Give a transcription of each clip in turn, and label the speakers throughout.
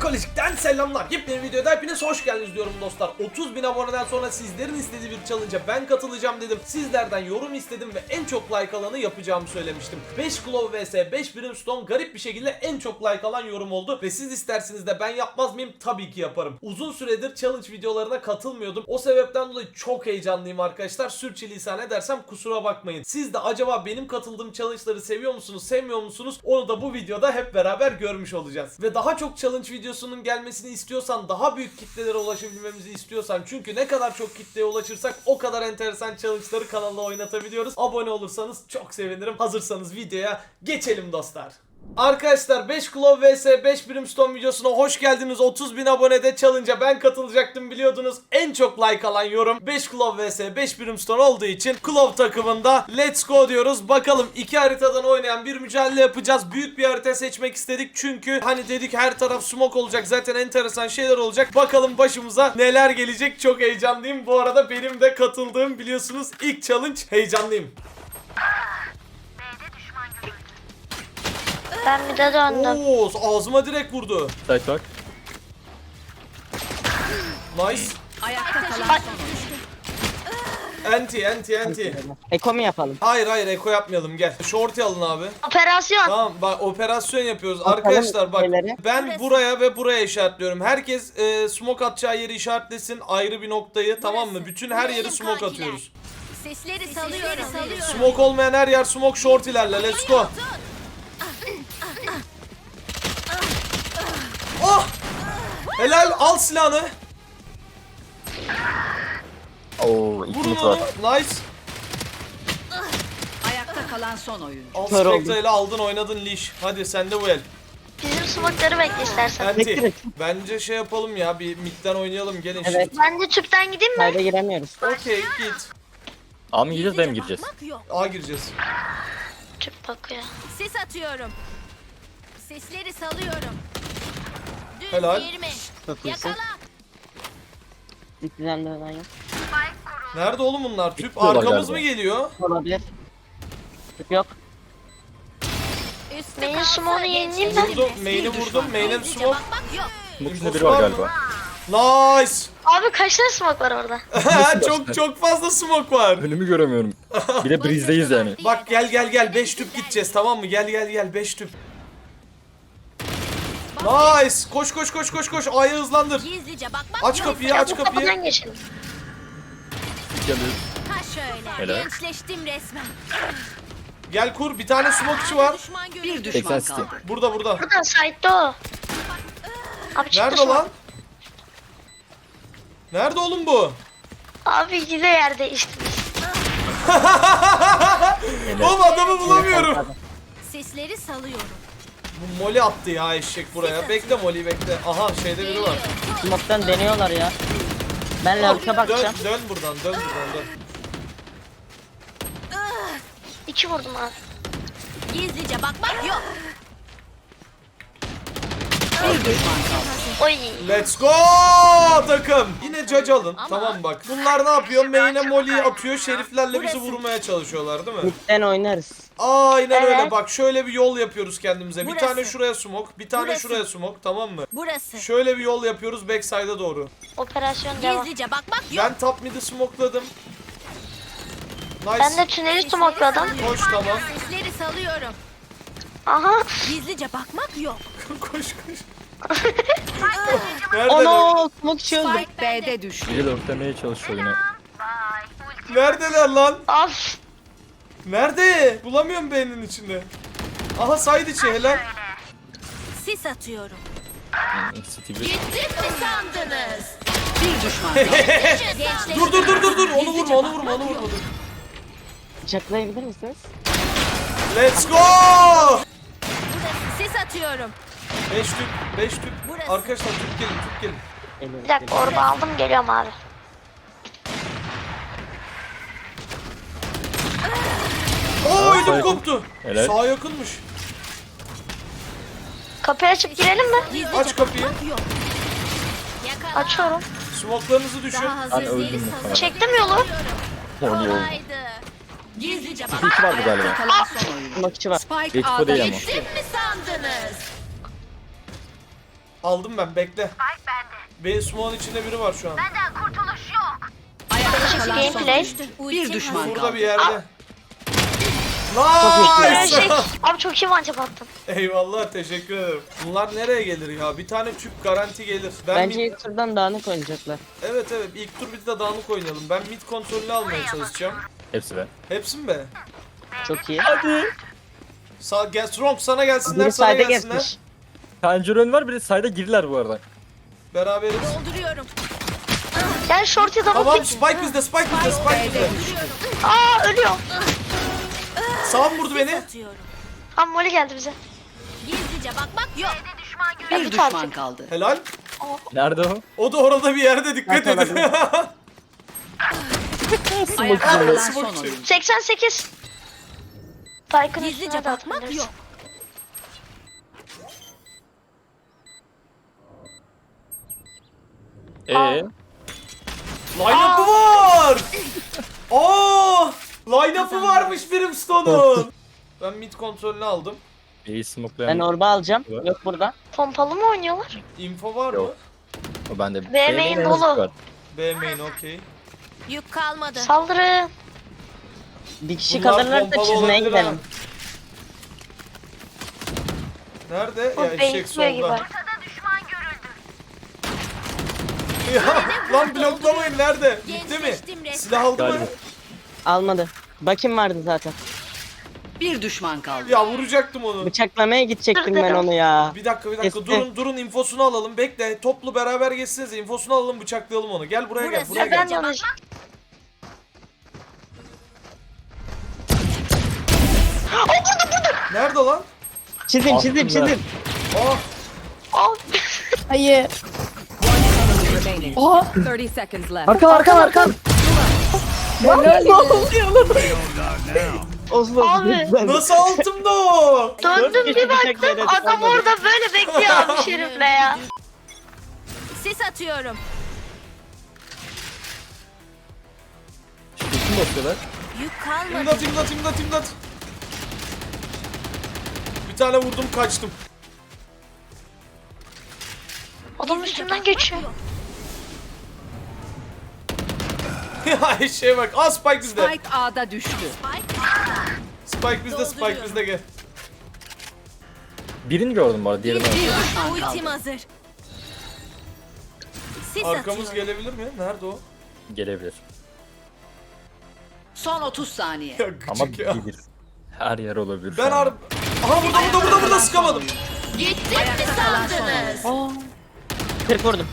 Speaker 1: Psikolojik'ten selamlar. Yepyeni videoda hepiniz hoş geldiniz diyorum dostlar. 30.000 aboneden sonra sizlerin istediği bir challenge'a ben katılacağım dedim. Sizlerden yorum istedim ve en çok like alanı yapacağımı söylemiştim. 5 Glove vs 5 Brimstone garip bir şekilde en çok like alan yorum oldu. Ve siz isterseniz de ben yapmaz mıyım? Tabii ki yaparım. Uzun süredir challenge videolarına katılmıyordum. O sebepten dolayı çok heyecanlıyım arkadaşlar. Sürçülisan edersem kusura bakmayın. Siz de acaba benim katıldığım challenge'ları seviyor musunuz, sevmiyor musunuz? Onu da bu videoda hep beraber görmüş olacağız. Ve daha çok challenge videosunun gelmesini istiyorsan, daha büyük kitlelere ulaşabilmemizi istiyorsan, çünkü ne kadar çok kitleye ulaşırsak o kadar enteresan challenge'ları kanalda oynatabiliyoruz. Abone olursanız çok sevinirim. Hazırsanız videoya geçelim dostlar. Arkadaşlar 5 Glove vs 5 Brimstone videosuna hoş geldiniz. 30.000 abonede challenge'a ben katılacaktım biliyordunuz. En çok like alan yorum 5 Glove vs 5 Brimstone olduğu için Glove takımında let's go diyoruz. Bakalım iki haritadan oynayan bir mücadele yapacağız. Büyük bir harita seçmek istedik çünkü hani dedik her taraf smoke olacak. Zaten enteresan şeyler olacak. Bakalım başımıza neler gelecek. Çok heyecanlıyım. Bu arada benim de katıldığım biliyorsunuz ilk challenge. Heyecanlıyım.
Speaker 2: Ben bir de döndüm.
Speaker 1: Oo, ağzıma direkt vurdu.
Speaker 3: Site bak.
Speaker 1: Nice.
Speaker 4: Ayakta kalan
Speaker 1: Anti.
Speaker 5: Eko mu yapalım?
Speaker 1: Hayır eko yapmayalım, gel. Shorty alın abi.
Speaker 2: Operasyon.
Speaker 1: Tamam bak, operasyon yapıyoruz.
Speaker 5: Bakalım
Speaker 1: Arkadaşlar bak,
Speaker 5: şeyleri.
Speaker 1: ben buraya ve buraya işaretliyorum. Herkes smoke atacağı yeri işaretlesin, ayrı bir noktayı, tamam mı? Bütün her yeri smoke atıyoruz.
Speaker 4: sesleri salıyorum.
Speaker 1: Smoke olmayan her yer smoke, shorty'lerle let's go. Oh! Helal, al silahını.
Speaker 3: Oo,
Speaker 1: Vurun
Speaker 3: ikimiz
Speaker 1: onu.
Speaker 3: var.
Speaker 1: Nice.
Speaker 4: Ayakta kalan son oyun.
Speaker 1: Al
Speaker 5: Kör oldum.
Speaker 1: Spectre ile aldın, oynadın leash. Hadi sende bu el.
Speaker 2: Bizim smoke'ları bekle istersen.
Speaker 1: Anti.
Speaker 5: Bekle.
Speaker 1: Bence şey yapalım ya, bir midden oynayalım, gelin
Speaker 5: Evet.
Speaker 1: şimdi.
Speaker 2: Ben de tüpten gideyim mi?
Speaker 5: Kayda giremiyoruz.
Speaker 1: Okey, git.
Speaker 3: A mı gireceğiz, B mi gireceğiz?
Speaker 1: A gireceğiz.
Speaker 2: Tüp bakıyor.
Speaker 4: Ses atıyorum. Sesleri salıyorum. Düz
Speaker 1: Helal.
Speaker 4: 20.
Speaker 5: Çok iyisin.
Speaker 4: Yakala.
Speaker 5: Dikliden dönen yok.
Speaker 1: Nerede oğlum bunlar? Tüp
Speaker 3: Bitiyorlar
Speaker 1: arkamız
Speaker 3: galiba.
Speaker 1: mı geliyor?
Speaker 5: Olabilir. Tüp yok.
Speaker 4: Üstü
Speaker 2: Benim
Speaker 4: kalsa
Speaker 2: smoke'u yenileyim mi?
Speaker 1: Vurdum, main'i vurdum, main'e bir smoke.
Speaker 4: Bakmak yok.
Speaker 3: Bunun içinde biri var galiba.
Speaker 1: Nice.
Speaker 2: Abi kaç tane smoke var orada?
Speaker 1: çok fazla smoke var.
Speaker 3: Önümü göremiyorum. Bir de breeze'deyiz yani.
Speaker 1: Bak gel 5 tüp gideceğiz, tamam mı? Gel 5 tüp. Nice. Koş. A'yı hızlandır.
Speaker 4: Gizlice bakmak
Speaker 1: Aç
Speaker 4: yok.
Speaker 1: kapıyı,
Speaker 2: Ya
Speaker 1: aç
Speaker 2: bu
Speaker 1: kapıyı.
Speaker 2: kapıdan geçelim.
Speaker 3: Geliyor.
Speaker 4: Ha şöyle.
Speaker 3: Helal.
Speaker 4: Gençleştim resmen.
Speaker 1: Gel kur, bir tane smokeçi var.
Speaker 4: Bir
Speaker 3: 80 city.
Speaker 1: Burada.
Speaker 2: Buradan side'da o. Abi çıktı
Speaker 1: Nerede
Speaker 2: smoke.
Speaker 1: lan? Nerede oğlum bu?
Speaker 2: Abi yine yer değiştirmiş.
Speaker 1: Oğlum adamı bulamıyorum.
Speaker 4: Sesleri salıyorum.
Speaker 1: Bu Molly attı ya eşek buraya. Bekle Molly'yi bekle. Aha şeyde biri var.
Speaker 5: Smoke'tan deniyorlar ya. Ben lavuşa bakacağım.
Speaker 1: Dön buradan.
Speaker 2: İki vurdum abi.
Speaker 4: Gizlice bakmak yok.
Speaker 2: Oy.
Speaker 1: Let's go takım. Yine judge alın. Tamam bak. Bunlar ne yapıyor? Main'e Molly'yi atıyor. Şeriflerle bizi vurmaya çalışıyorlar değil mi?
Speaker 5: Midden oynarız.
Speaker 1: Aynen öyle
Speaker 2: Evet.
Speaker 1: bak. Şöyle bir yol yapıyoruz kendimize. Bir
Speaker 4: Burası.
Speaker 1: tane şuraya smoke. Bir tane
Speaker 4: Burası.
Speaker 1: şuraya smoke. Tamam mı?
Speaker 4: Burası.
Speaker 1: Şöyle bir yol yapıyoruz backside'a doğru.
Speaker 2: Operasyon devam.
Speaker 4: Gizlice bakmak yok.
Speaker 1: Ben top mid'i smokeladım. Nice.
Speaker 2: Ben de tüneli smokeladım.
Speaker 1: Koş, tamam.
Speaker 4: Sesleri salıyorum.
Speaker 2: Aha.
Speaker 4: Gizlice bakmak yok.
Speaker 1: koş. Neredeler?
Speaker 5: Ono smoke çözdüm.
Speaker 4: Spike B'de düştü.
Speaker 3: Biri de örtlemeye çalışıyor yine.
Speaker 1: Neredeler lan?
Speaker 2: Af.
Speaker 1: Nerede? Bulamıyorum beynin içinde. Aha side içi, helal.
Speaker 4: Sis atıyorum.
Speaker 3: City bir.
Speaker 4: Gittim mi sandınız? Bir düşman kaldı.
Speaker 1: Dur. Onu vurma.
Speaker 5: Bıçaklayabilir misiniz?
Speaker 1: Let's go!
Speaker 4: Sis atıyorum.
Speaker 1: 5 tüp.
Speaker 4: Burası.
Speaker 1: Arkadaşlar tüp gelin.
Speaker 5: Geliyorum.
Speaker 2: Bir dakika orada aldım geliyorum abi.
Speaker 1: Oo ödüm
Speaker 3: Sağ
Speaker 1: koptu.
Speaker 3: Helal.
Speaker 1: Sağ yakınmış.
Speaker 2: Kapıyı açıp girelim mi?
Speaker 4: Gizlice
Speaker 1: Aç kapıyı.
Speaker 4: bakmak yok. Yakala.
Speaker 2: Açıyorum.
Speaker 1: Smoke'larınızı düşün.
Speaker 4: Daha hazır
Speaker 3: Ben öldüm
Speaker 4: değiliz,
Speaker 3: muhtemelen.
Speaker 4: salıyorum.
Speaker 2: Çektim yolu.
Speaker 3: Oluyor.
Speaker 4: Kolaydı. Gizlice
Speaker 3: City
Speaker 4: bakmak
Speaker 3: 2 vardı galiba.
Speaker 4: kalan son oyun.
Speaker 5: Smoke'çi var.
Speaker 4: Spike
Speaker 3: Expo
Speaker 4: A'da
Speaker 3: değil ama.
Speaker 4: gittim mi sandınız?
Speaker 1: Aldım ben, bekle. B smoke'un içinde biri var şu an.
Speaker 6: Ayakta kalan son
Speaker 2: Gameplay.
Speaker 6: oyuncu. Bir düşman
Speaker 1: Burada
Speaker 6: kaldı.
Speaker 1: bir yerde.
Speaker 2: Böyle
Speaker 1: Nice!
Speaker 2: şey. Abi çok iyi mancap attın.
Speaker 1: Eyvallah, teşekkür ederim. Bunlar nereye gelir ya? Bir tane tüp garanti gelir. Ben
Speaker 5: Bence
Speaker 1: mid...
Speaker 5: ilk turdan dağınık oynayacaklar.
Speaker 1: Evet ilk tur bir de dağınık oynayalım. Ben mid kontrolünü almaya çalışacağım.
Speaker 3: Hepsi be.
Speaker 1: Hepsi mi be?
Speaker 5: Çok iyi.
Speaker 1: Gel Strong, sana gelsinler,
Speaker 5: Biri
Speaker 1: sana
Speaker 5: sayda
Speaker 1: gelsinler.
Speaker 5: geçmiş.
Speaker 3: Pencere var, bir de sayda girdiler bu arada.
Speaker 1: Beraberiz.
Speaker 4: Dolduruyorum.
Speaker 2: Gel short ya da
Speaker 1: Tamam,
Speaker 2: bak.
Speaker 1: Spike bizde, Spike bizde, Spike bizde.
Speaker 2: Aa ölüyorum.
Speaker 1: Sağ mı vurdu beni?
Speaker 4: Atıyorum.
Speaker 2: Abi Molly geldi bize.
Speaker 4: Gizlice bakmak yok.
Speaker 6: Bir
Speaker 2: Hadi
Speaker 6: düşman
Speaker 2: artık.
Speaker 6: kaldı.
Speaker 1: Helal.
Speaker 3: Nerede o?
Speaker 1: O da orada bir yerde, dikkat
Speaker 5: Ben
Speaker 1: edin.
Speaker 6: Ayakta kalan son oyuncu.
Speaker 2: 88. Tycoon
Speaker 4: Gizlice
Speaker 2: üstüne de
Speaker 4: bakmak
Speaker 2: atabiliriz.
Speaker 4: yok.
Speaker 1: Line-up'ı var. Line-up'ı varmış Brimstone'un. Ben mid kontrolünü aldım.
Speaker 3: İyi smoklayan.
Speaker 5: Ben orba alacağım.
Speaker 3: Evet.
Speaker 5: Yok burada.
Speaker 2: Pompalı mı oynuyorlar?
Speaker 1: Info var mı?
Speaker 3: Yok. O bende.
Speaker 2: B main
Speaker 3: Benim
Speaker 2: dolu.
Speaker 3: var.
Speaker 1: B main, okey.
Speaker 4: Yük kalmadı.
Speaker 2: Saldırı.
Speaker 5: Bir kişi
Speaker 1: Bunlar
Speaker 5: kalırlarsa
Speaker 1: pompalı
Speaker 5: çizmeye
Speaker 1: olabilir ha.
Speaker 5: gidelim.
Speaker 1: Nerede?
Speaker 2: O
Speaker 1: Ya eşek
Speaker 2: bekliyor gibi.
Speaker 1: solda. Ya lan bloklamayın, nerede? Bitti mi?
Speaker 4: Gençleştim resmen.
Speaker 1: Silah aldı mı?
Speaker 3: Galiba.
Speaker 5: Almadı. Bakayım vardı zaten.
Speaker 6: Bir düşman kaldı.
Speaker 1: Ya vuracaktım onu.
Speaker 5: Bıçaklamaya gidecektim ben onu ya.
Speaker 1: Bir dakika
Speaker 5: Kesti.
Speaker 1: durun infosunu alalım, bekle, toplu beraber geçsinize, infosunu alalım, bıçaklayalım onu. Gel buraya, gel
Speaker 4: Burası.
Speaker 1: buraya
Speaker 2: Ben
Speaker 1: gel.
Speaker 2: yanlış.
Speaker 1: Nerede lan?
Speaker 5: Çizim
Speaker 3: Aslında.
Speaker 5: çizim.
Speaker 1: Aa,
Speaker 2: Abi.
Speaker 7: Hayır.
Speaker 6: Remaining. 30 seconds left.
Speaker 5: Arka.
Speaker 2: Abi.
Speaker 1: nasıl altımda o?
Speaker 2: Döndüm
Speaker 5: kişi
Speaker 2: bir
Speaker 5: bıçak
Speaker 2: baktım
Speaker 5: yedi,
Speaker 2: adam
Speaker 5: olmadı.
Speaker 2: orada böyle bekliyor abi şerifle ya.
Speaker 4: Sis atıyorum.
Speaker 3: Kim basıyorlar?
Speaker 4: Yük kalmadı.
Speaker 1: İmdat. Bir tane vurdum, kaçtım.
Speaker 2: Adam üstümden geçiyor.
Speaker 1: Ya şeye bak, Spike bizde.
Speaker 6: Spike A'da düştü.
Speaker 1: Spike bizde, gel.
Speaker 3: Birini gördüm bu arada, diğerini aldım.
Speaker 6: Bir düşman
Speaker 4: Ultim
Speaker 6: kaldı.
Speaker 4: hazır. Sis
Speaker 1: Arkamız
Speaker 4: atıyorum.
Speaker 1: gelebilir mi? Nerede o?
Speaker 3: Gelebilir.
Speaker 6: Son 30 saniye.
Speaker 1: Ya
Speaker 3: Ama
Speaker 1: gıcık ya.
Speaker 3: bilir. Her yer olabilir.
Speaker 1: Ben
Speaker 3: şu an.
Speaker 1: Aha burada sıkamadım.
Speaker 4: Gittim mi sandınız?
Speaker 5: 40 vurdum.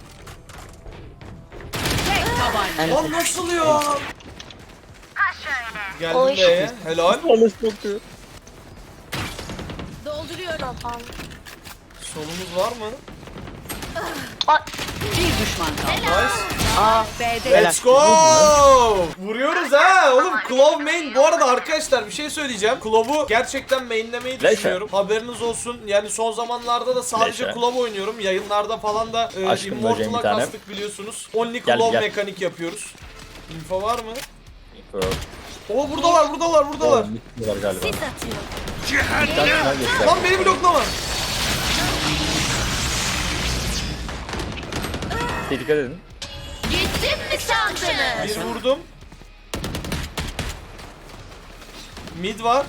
Speaker 6: Tek tabanca.
Speaker 1: Lan nasıl ya? Geldim
Speaker 2: Oy.
Speaker 1: B'ye, helal.
Speaker 4: Dolduruyorum.
Speaker 2: Tamam.
Speaker 1: Solumuz var mı?
Speaker 6: Bir düşman kaldı.
Speaker 1: Nice.
Speaker 6: B'de
Speaker 1: Let's go! Vuruyoruz ha oğlum. Claw main. Bu arada arkadaşlar bir şey söyleyeceğim. Claw'u gerçekten mainlemeyi
Speaker 3: Leşe.
Speaker 1: düşünüyorum. Haberiniz olsun. Yani son zamanlarda da sadece
Speaker 3: Leşe.
Speaker 1: Claw oynuyorum. Yayınlarda falan da
Speaker 3: Aşkım böceğim
Speaker 1: Immortal'a
Speaker 3: bir tane.
Speaker 1: kastık biliyorsunuz. Only
Speaker 3: Gel,
Speaker 1: Claw
Speaker 3: gel.
Speaker 1: mekanik yapıyoruz. Info var mı?
Speaker 3: Yok.
Speaker 1: Oo buradalar.
Speaker 3: Bitmiyorlar galiba.
Speaker 4: Sis atıyorum.
Speaker 3: Bir tane daha geçti.
Speaker 1: Lan beni bloklama.
Speaker 3: Dikkat edin.
Speaker 4: Gittim mi sandınız?
Speaker 1: Bir vurdum. Mid var.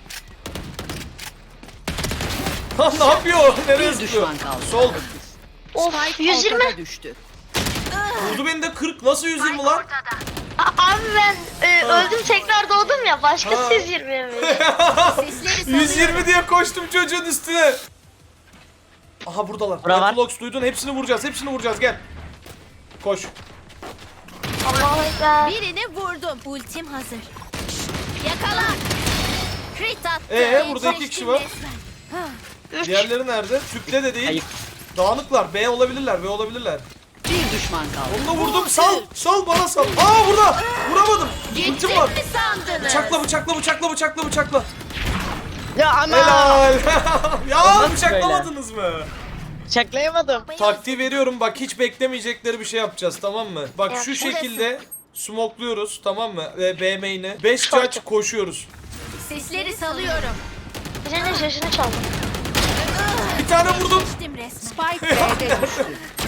Speaker 1: Lan ne yapıyor? Nereye
Speaker 6: Bir
Speaker 1: sıkıyor?
Speaker 6: düşman kaldı.
Speaker 1: Sol.
Speaker 2: Of
Speaker 6: Spike
Speaker 2: 120.
Speaker 6: ortada düştü.
Speaker 1: Vurdu beni de 40. Nasıl 120 lan?
Speaker 2: Abi ben öldüm tekrar doğdum ya. Başka
Speaker 1: Ha.
Speaker 2: siz 20 mi?
Speaker 4: Sesleri salıyorum.
Speaker 1: 120 diye koştum çocuğun üstüne. Aha buradalar.
Speaker 5: Bura var.
Speaker 1: Reflox duydun, hepsini vuracağız gel. Koş.
Speaker 2: Allahu Ekber.
Speaker 4: Birini vurdum. Ultim hazır. Yakala. Crit attı.
Speaker 1: Burada iki kişi var.
Speaker 4: Resmen.
Speaker 2: 3.
Speaker 1: Diğerleri nerede? Tüple de değil.
Speaker 5: Ayıp.
Speaker 1: Dağınıklar. B olabilirler.
Speaker 6: Bir düşman kaldı.
Speaker 1: Onu da vurdum. Sal bana sal. Aa burada. Vuramadım.
Speaker 4: Gittim
Speaker 1: Ultim var.
Speaker 4: mi sandınız?
Speaker 1: Bıçakla.
Speaker 5: Ya ama.
Speaker 1: Helal. Ya
Speaker 5: Olmaz
Speaker 1: bıçaklamadınız mı?
Speaker 5: Bıçaklayamadım.
Speaker 1: Taktiği veriyorum, bak hiç beklemeyecekleri bir şey yapacağız, tamam mı? Bak
Speaker 2: Ya,
Speaker 1: şu
Speaker 2: burası.
Speaker 1: şekilde smokluyoruz, tamam mı? B main'e 5 judge koşuyoruz.
Speaker 4: Sesleri salıyorum.
Speaker 2: Birinin şaşını çaldım.
Speaker 1: bir tane vurdum.
Speaker 4: Geçtim resmen.
Speaker 6: Spike B'de düştü.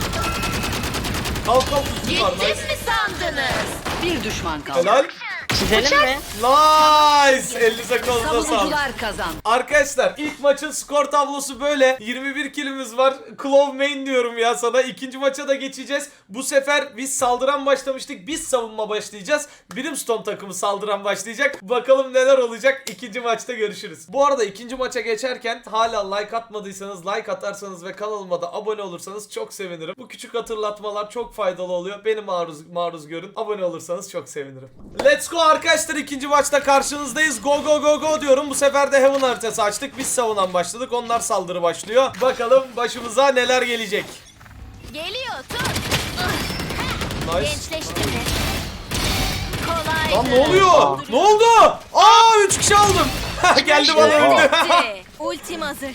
Speaker 1: Kalk kalk ultim var.
Speaker 4: Gittim
Speaker 1: Nice.
Speaker 4: mi sandınız?
Speaker 6: Bir düşman kaldı.
Speaker 1: Helal.
Speaker 5: Çizelim mi?
Speaker 1: Nice. Elinize kolunuza sağlık.
Speaker 6: Savunucular kazandı.
Speaker 1: Arkadaşlar ilk maçın skor tablosu böyle. 21 kilimiz var. Claw main diyorum ya sana. İkinci maça da geçeceğiz. Bu sefer biz saldıran başlamıştık. Biz savunma başlayacağız. Brimstone takımı saldıran başlayacak. Bakalım neler olacak. İkinci maçta görüşürüz. Bu arada ikinci maça geçerken hala like atmadıysanız like atarsanız ve kanalıma da abone olursanız çok sevinirim. Bu küçük hatırlatmalar çok faydalı oluyor. Beni maruz görün. Abone olursanız çok sevinirim. Let's go arkadaşlar, ikinci maçta karşınızdayız. Go go go go diyorum. Bu sefer de Heaven haritası açtık. Biz savunan başladık. Onlar saldırı başlıyor. Bakalım başımıza neler gelecek.
Speaker 4: Geliyor tut.
Speaker 1: Nice.
Speaker 4: Gençleştim resmen. Kolaydı.
Speaker 1: Lan ne oluyor? Ne oldu? Aa 3 kişi aldım. Geldi bana öldü.
Speaker 4: Bitti. Ultim hazır.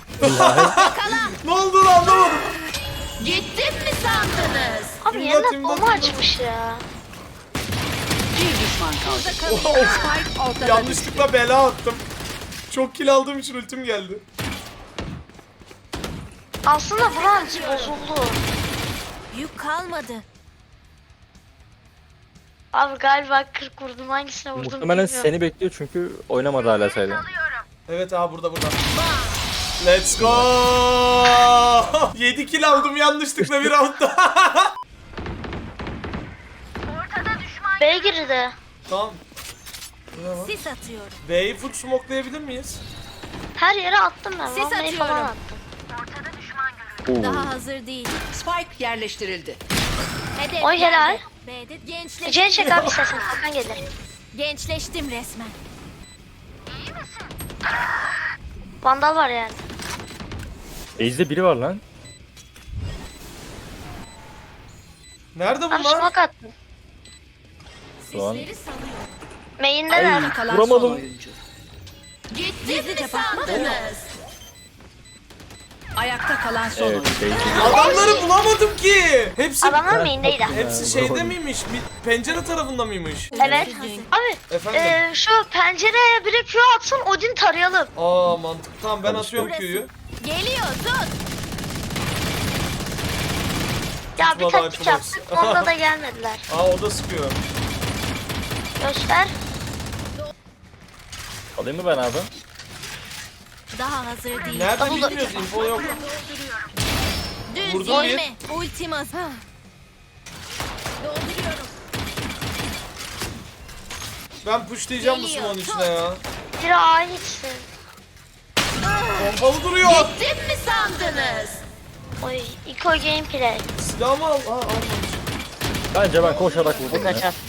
Speaker 1: Ne oldu lan, anlamadım.
Speaker 4: Gittim mi sandınız?
Speaker 2: Abi
Speaker 1: İmdat,
Speaker 2: yeniden
Speaker 1: imdat,
Speaker 2: bomba
Speaker 1: imdat.
Speaker 2: açmış ya.
Speaker 6: Bir düşman kaldı. Spike ortada düştü.
Speaker 1: Yanlışlıkla bela attım. Çok kill aldığım için ultim geldi.
Speaker 2: Aslında bronz bozuldu.
Speaker 4: Yük kalmadı.
Speaker 2: Abi galiba 40 vurdum, hangisine vurdum
Speaker 3: Muhtemelen
Speaker 2: bilmiyorum.
Speaker 3: seni bekliyor çünkü oynamadı hala sayda.
Speaker 1: Evet abi, burada. Let's go. 7 kill aldım yanlışlıkla bir roundda.
Speaker 2: B girdi.
Speaker 1: Tamam. Bu ne lan?
Speaker 4: Sis atıyorum.
Speaker 1: B'yi full smokelayabilir miyiz?
Speaker 2: Her yere attım ben.
Speaker 4: Sis
Speaker 2: Bombayı falan
Speaker 4: atıyorum.
Speaker 2: attım.
Speaker 4: Daha hazır değil.
Speaker 6: Spike yerleştirildi.
Speaker 4: Hedef
Speaker 2: Oy, helal.
Speaker 4: yerde. B'de gençleştim.
Speaker 2: C'ye çek abi istersen. Hakan gelir.
Speaker 4: Gençleştim resmen.
Speaker 2: Vandal var yani.
Speaker 3: Base'de biri var lan.
Speaker 1: Nerede
Speaker 2: Abi
Speaker 1: bunlar?
Speaker 2: smoke attım.
Speaker 3: Şu an.
Speaker 4: Sisleri salıyorum.
Speaker 2: Main'deler.
Speaker 6: Kalan
Speaker 3: Vuramadım.
Speaker 6: son oyuncu.
Speaker 4: Gittim mi sandınız?
Speaker 6: Ayakta kalan son
Speaker 3: Evet,
Speaker 6: oyuncu.
Speaker 3: base'de.
Speaker 1: Adamları bulamadım ki. Hepsi
Speaker 2: main'deydi.
Speaker 1: hepsi şeyde miymiş? Pencere tarafında mıymış?
Speaker 2: Evet. Abi
Speaker 1: Efendim?
Speaker 2: şu pencereye biri Q atsın, Odin tarayalım.
Speaker 1: Aa mantıklı. Tamam, ben
Speaker 3: Tabii,
Speaker 1: atıyorum
Speaker 4: burası.
Speaker 1: Q'yu.
Speaker 4: Geliyor tut.
Speaker 2: Ya bir
Speaker 1: Tutmadı
Speaker 2: taktik
Speaker 1: Hyperbox.
Speaker 2: yaptık, onda da gelmediler.
Speaker 1: Aa, o da sıkıyor.
Speaker 2: Göster.
Speaker 3: Alayım mı ben abi?
Speaker 4: Daha hazır değil.
Speaker 1: Nerede
Speaker 2: Double
Speaker 1: bilmiyoruz, info yok.
Speaker 4: Düz
Speaker 1: Vurdum
Speaker 4: değil mi? Ultim hazır. Dolduruyorum.
Speaker 1: Ben pushlayacağım bu
Speaker 4: Geliyor,
Speaker 1: smoke'un
Speaker 4: tut.
Speaker 1: içine ya.
Speaker 2: Biri A'ya gitsin.
Speaker 1: Pompalı duruyor.
Speaker 4: Gittim mi sandınız?
Speaker 2: Oy, Eco Gameplay.
Speaker 1: Silahımı al. Aa, almamış.
Speaker 3: Bence ben koşarak vurdum ya.
Speaker 5: Kaçar.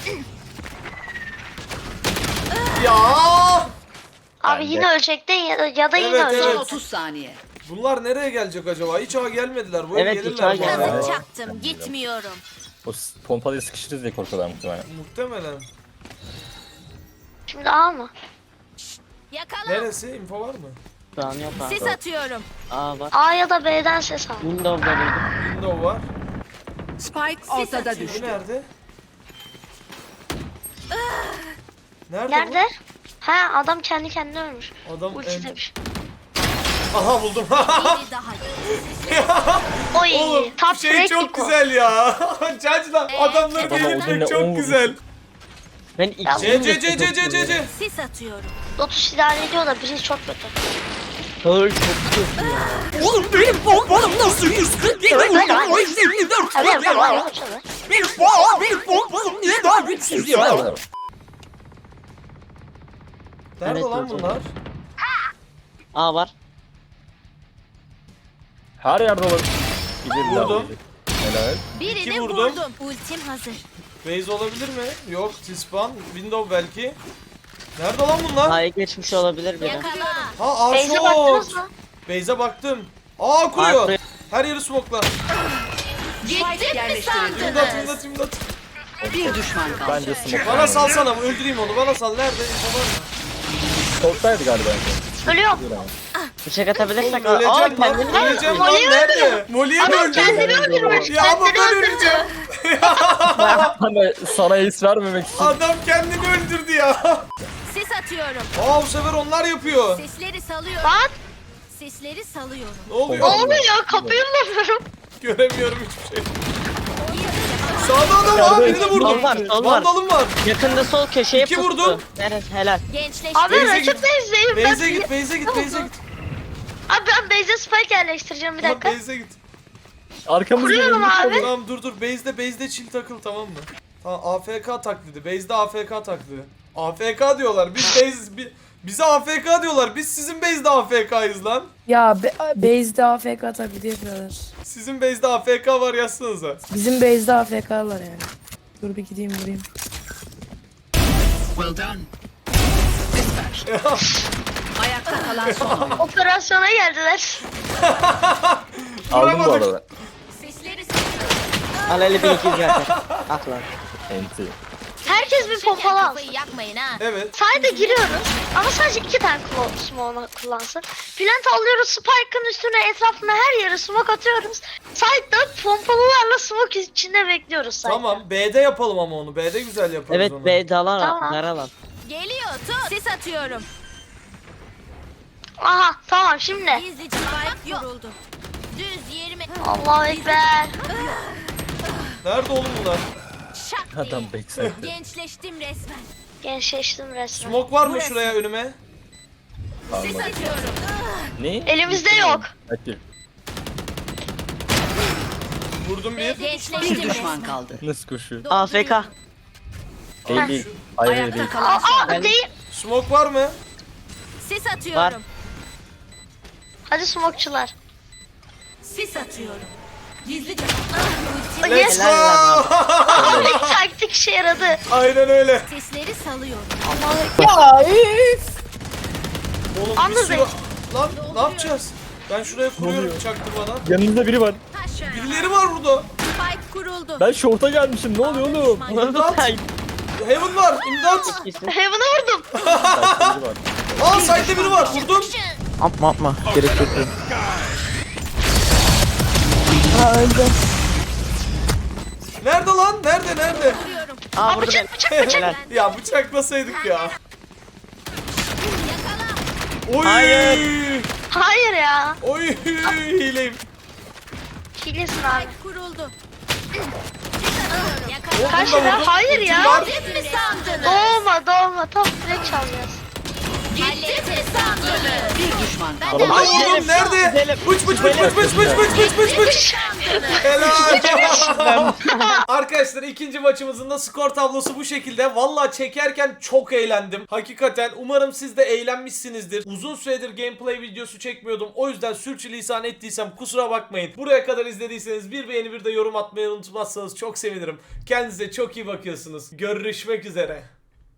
Speaker 1: Ya.
Speaker 2: Abi
Speaker 3: Bence.
Speaker 2: yine ölecektin ya da yine
Speaker 1: Evet,
Speaker 6: Son
Speaker 1: evet.
Speaker 2: ölecektin.
Speaker 6: 30 saniye.
Speaker 1: Bunlar nereye gelecek acaba? Hiç ağa gelmediler. Böyle
Speaker 5: Evet,
Speaker 1: gelirler
Speaker 5: hiç ağa
Speaker 1: bu arada.
Speaker 5: gelmedi.
Speaker 4: Kazık çaktım. Gitmiyorum.
Speaker 3: O pompalıyı sıkıştırırız diye korkuyorlar muhtemelen.
Speaker 1: Muhtemelen.
Speaker 2: Şimdi A mı?
Speaker 4: Yakala.
Speaker 1: Neresi? Info var mı?
Speaker 5: Şu an yok abi.
Speaker 4: Sis atıyorum.
Speaker 5: Aa var.
Speaker 2: A ya da B'den ses al.
Speaker 5: Windows'da duydum.
Speaker 1: Window var.
Speaker 6: Spike ortada
Speaker 4: atıyor.
Speaker 1: Bu
Speaker 6: düştü.
Speaker 1: nerede? Nerede,
Speaker 2: Nerede? Ha, adam kendi kendine ölmüş.
Speaker 1: bu? Adam
Speaker 2: Ulti demiş.
Speaker 1: Aha, buldum.
Speaker 4: Biri daha.
Speaker 2: Oy,
Speaker 1: Oğlum
Speaker 2: top
Speaker 1: şey
Speaker 2: break
Speaker 1: çok
Speaker 2: Eco.
Speaker 1: güzel ya. Cacla adamları
Speaker 3: Adama
Speaker 1: delirtmek
Speaker 3: Odin'le
Speaker 1: çok
Speaker 3: 10
Speaker 1: güzel.
Speaker 5: Ben
Speaker 2: Ya,
Speaker 5: ikisini
Speaker 1: C C C C C C C.
Speaker 4: Sis atıyorum.
Speaker 2: Lotus idare ediyor da biri çok kötü.
Speaker 5: Pearl çok kötü ya.
Speaker 7: Oğlum benim pompalım nasıl 140 değil?
Speaker 2: Hadi
Speaker 7: Benim
Speaker 2: hadi.
Speaker 7: 154
Speaker 2: Hadi
Speaker 7: ya.
Speaker 2: hadi.
Speaker 7: Benim pompalım niye daha güçsüz ya?
Speaker 1: Nerede
Speaker 5: Evet,
Speaker 1: lan
Speaker 5: evet,
Speaker 1: bunlar?
Speaker 5: A var.
Speaker 3: Her yerde olabilir. Gidelim
Speaker 1: Vurdum.
Speaker 3: Helal.
Speaker 4: Birini
Speaker 1: vurdum.
Speaker 4: vurdum. Ultim hazır.
Speaker 1: Base olabilir mi? Yok. T-spawn. Window belki. Nerede lan bunlar?
Speaker 5: A'ya geçmiş olabilir biri.
Speaker 4: Yakala.
Speaker 1: Ha, A
Speaker 2: Beyze
Speaker 1: short.
Speaker 2: baktınız mı?
Speaker 1: Base'e baktım. Aa, kuruyor.
Speaker 5: kuruyor.
Speaker 1: Her yeri smoke'la.
Speaker 4: Gittim mi
Speaker 6: yerleştirildi.
Speaker 1: İmdat,
Speaker 4: sandınız?
Speaker 1: imdat, imdat.
Speaker 6: Bir düşman kaldı.
Speaker 3: Bence smoke.
Speaker 1: Bana salsana, öldüreyim onu. Bana sal. Nerede? İnfo var mı?
Speaker 3: Short'taydı galiba.
Speaker 2: Ölüyorum.
Speaker 5: Bıçak atabilirsek.
Speaker 1: Oğlum,
Speaker 5: Aa
Speaker 1: öleceğim lan.
Speaker 5: kendini
Speaker 1: Öleceğim lan.
Speaker 2: Molly'yi
Speaker 1: Nerede? Molly'ye mi
Speaker 2: Adam kendini
Speaker 1: öldürdün?
Speaker 2: öldürmüş.
Speaker 1: Ya ama
Speaker 2: Kendini
Speaker 1: ben
Speaker 2: öldürdü.
Speaker 1: öleceğim.
Speaker 3: Hani sana ace vermemek için.
Speaker 1: Adam kendini öldürdü ya.
Speaker 4: Sis atıyorum.
Speaker 1: Aa, bu sefer onlar yapıyor.
Speaker 4: Sesleri salıyorum.
Speaker 2: Bak.
Speaker 4: Sesleri salıyorum.
Speaker 1: Ne oluyor?
Speaker 2: Ne oluyor? Kapıyı bulamıyorum.
Speaker 1: Göremiyorum hiçbir şey. Sağda adam var. Birini vurdum.
Speaker 5: Sol var, sol var.
Speaker 1: Vandalım var.
Speaker 5: Yakında sol köşeye
Speaker 1: İki
Speaker 5: pustu.
Speaker 1: vurdum.
Speaker 5: Evet, helal.
Speaker 4: Gençleştim.
Speaker 2: Abi
Speaker 1: Beyze
Speaker 2: rakip
Speaker 1: git.
Speaker 2: base'deyim.
Speaker 1: Beyze git, Beyze git, Beyze git.
Speaker 2: Abi ben base'e spike yerleştireceğim bir dakika.
Speaker 1: Beyze git.
Speaker 3: Arkamızda
Speaker 2: Kuruyorum abi.
Speaker 1: Tamam dur. Base'de chill takıl, tamam mı? Tamam, AFK taklidi. Base'de AFK taklidi. AFK diyorlar. Bize AFK diyorlar. Biz sizin base'de AFK'yız lan.
Speaker 8: Ya base'de AFK taklidi yapıyorlar.
Speaker 1: Sizin base'de AFK var yazsanıza.
Speaker 8: Bizim base'de AFK'lar yani. Dur bir gideyim vurayım.
Speaker 6: Well done. Ayakta kalan son oyun.
Speaker 2: Operasyona geldiler.
Speaker 3: Aldım bu
Speaker 1: Vuramadık.
Speaker 3: arada.
Speaker 4: Sesleri salıyorum.
Speaker 5: Al 52 zaten. At lan.
Speaker 3: Enti.
Speaker 2: Herkes bir pompalı alsın.
Speaker 4: Kafayı yakmayın ha.
Speaker 1: Evet.
Speaker 2: Side'e giriyoruz ama sadece 2 tane smoke kullansın. Plant alıyoruz, Spike'ın üstüne, etrafına her yere smoke atıyoruz. Side'da pompalılarla smoke içinde bekliyoruz side'da.
Speaker 1: Tamam, B'de yapalım ama onu. B'de güzel yaparız
Speaker 5: Evet,
Speaker 1: onu.
Speaker 5: B dalan
Speaker 2: Tamam.
Speaker 5: dar alan.
Speaker 4: Geliyor tut. Ses atıyorum.
Speaker 2: Aha tamam şimdi.
Speaker 4: Gizlice spike kuruldu. Düz yerime.
Speaker 2: Allahu Ekber.
Speaker 1: Nerede oğlum bunlar?
Speaker 4: Şak diye.
Speaker 3: Adam backside.
Speaker 4: Gençleştim resmen.
Speaker 2: Gençleştim resmen.
Speaker 1: Smoke var mı
Speaker 4: Burası.
Speaker 1: şuraya önüme?
Speaker 4: Ses atıyorum.
Speaker 3: Ne?
Speaker 2: Elimizde yok.
Speaker 3: Hadi.
Speaker 1: Vurdum bir.
Speaker 6: Bir
Speaker 4: Gençleştim
Speaker 6: düşman
Speaker 4: resmen.
Speaker 6: kaldı.
Speaker 3: Nasıl koşuyor?
Speaker 5: AFK.
Speaker 3: Değil değil. Hayır hayır
Speaker 6: Ayakta
Speaker 3: değil.
Speaker 6: kalan son oyun.
Speaker 2: Değil.
Speaker 1: Smoke var mı?
Speaker 4: Ses atıyorum.
Speaker 2: Hadi smokeçular.
Speaker 4: Ses atıyorum. Gizlice.
Speaker 2: Yes.
Speaker 1: Let's go!
Speaker 2: Taktik işe yaradı.
Speaker 1: Aynen öyle.
Speaker 4: Sesleri salıyorum.
Speaker 8: Ya üf.
Speaker 1: Oğlum
Speaker 2: Anladım.
Speaker 1: bir sürü... Lan ne yapacağız? Ben şuraya kuruyorum çaktırmadan.
Speaker 3: Yanımızda biri var.
Speaker 4: Taşa.
Speaker 1: Birileri var burada.
Speaker 4: Spike kuruldu.
Speaker 3: Ben short'a gelmişim. Ne oluyor oğlum?
Speaker 1: İmdat. Heaven var. İmdat.
Speaker 2: Heaven'a vurdum.
Speaker 3: Karşıda biri var.
Speaker 1: Aa side'de biri var. Vurdum.
Speaker 3: Yapma. Gerek yok.
Speaker 8: Ha öldü.
Speaker 1: Nerede lan? Nerede?
Speaker 5: Aa vurdu beni. Helal.
Speaker 1: Ya bıçaklasaydık ya. Oy.
Speaker 5: Hayır.
Speaker 2: Hayır ya.
Speaker 1: Oy hileyim.
Speaker 2: Hilesin abi.
Speaker 4: Spike kuruldu.
Speaker 1: Oğlum,
Speaker 2: Kaç
Speaker 1: bunda
Speaker 2: lira?
Speaker 1: vurdum.
Speaker 2: Hayır
Speaker 1: Kim
Speaker 2: ya.
Speaker 1: var?
Speaker 4: Hallettim mi sandınız?
Speaker 2: Doğma. Tam direkt çalacağız.
Speaker 4: Hallettim mi sandınız?
Speaker 6: Bir düşman kaldı.
Speaker 1: Burada vurdum.
Speaker 5: Gidelim.
Speaker 1: Nerede? Bıç. Helal. Arkadaşlar ikinci maçımızın da skor tablosu bu şekilde. Vallahi çekerken çok eğlendim. Hakikaten umarım siz de eğlenmişsinizdir. Uzun süredir gameplay videosu çekmiyordum. O yüzden sürçülisan ettiysem kusura bakmayın. Buraya kadar izlediyseniz bir beğeni bir de yorum atmayı unutmazsanız çok sevinirim. Kendinize çok iyi bakıyorsunuz. Görüşmek üzere.